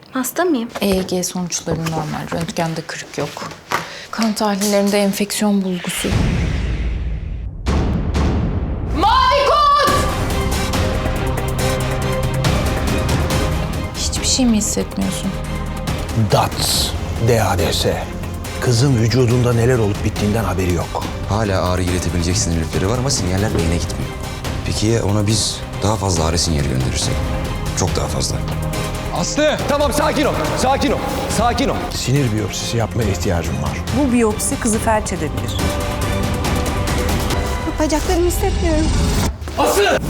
Hasta mıyım? EEG sonuçları normal. Röntgende kırık yok. Kan tahlillerinde enfeksiyon bulgusu. Mavi kod! Hiçbir şey mi hissetmiyorsun? DATS, DADS. Kızın vücudunda neler olup bittiğinden haberi yok. Hala ağrı iletebilecek sinirlikleri var ama sinyaller beyne gitmiyor. Peki ya ona biz daha fazla ağrı sinyali gönderirsek? Çok daha fazla. Aslı! Tamam sakin ol, sakin ol, sakin ol. Sinir biyopsisi yapmaya ihtiyacım var. Bu biyopsi kızı felç edebilir. Bacaklarımı hissetmiyorum. Aslı!